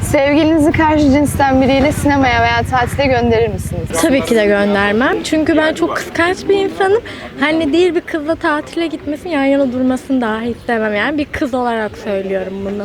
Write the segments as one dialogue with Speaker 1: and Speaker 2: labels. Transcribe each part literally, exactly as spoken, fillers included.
Speaker 1: Sevgilinizi karşı cinsten biriyle sinemaya veya tatile gönderir misiniz?
Speaker 2: Tabii ki de göndermem. Çünkü ben çok kıskanç bir insanım. Hani değil bir kızla tatile gitmesin, yan yana durmasını dahi istemem. Yani bir kız olarak söylüyorum bunu.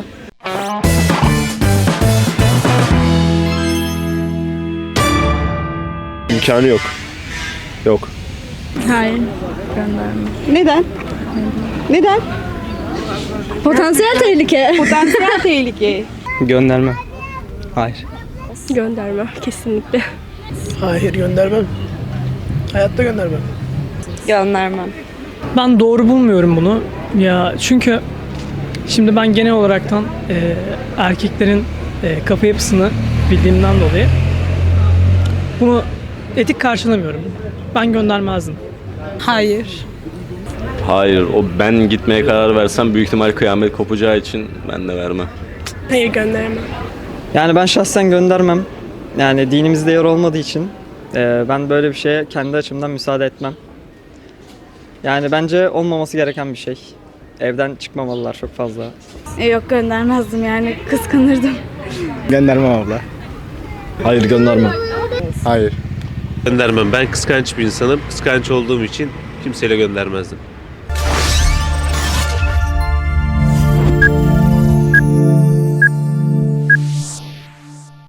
Speaker 3: İmkanı yok. Yok.
Speaker 2: Hayır, göndermem.
Speaker 4: Neden? Neden?
Speaker 2: Potansiyel tehlike.
Speaker 4: Potansiyel tehlike.
Speaker 5: Göndermem. Hayır.
Speaker 2: Göndermem kesinlikle.
Speaker 6: Hayır göndermem. Hayatta göndermem.
Speaker 4: Göndermem.
Speaker 7: Ben doğru bulmuyorum bunu. Ya çünkü şimdi ben genel olaraktan e, erkeklerin e, kafa yapısını bildiğimden dolayı bunu etik karşılamıyorum. Ben göndermezdim.
Speaker 4: Hayır.
Speaker 3: Hayır. O ben gitmeye karar versem büyük ihtimal kıyamet kopacağı için ben de vermem.
Speaker 6: Hayır göndermem.
Speaker 5: Yani ben şahsen göndermem. Yani dinimizde yer olmadığı için e, ben böyle bir şeye kendi açımdan müsaade etmem. Yani bence olmaması gereken bir şey. Evden çıkmamalılar çok fazla.
Speaker 2: E, yok göndermezdim yani kıskanırdım.
Speaker 8: Göndermem abla.
Speaker 3: Hayır göndermem.
Speaker 8: Hayır.
Speaker 9: Göndermem. Ben kıskanç bir insanım. Kıskanç olduğum için kimseyle göndermezdim.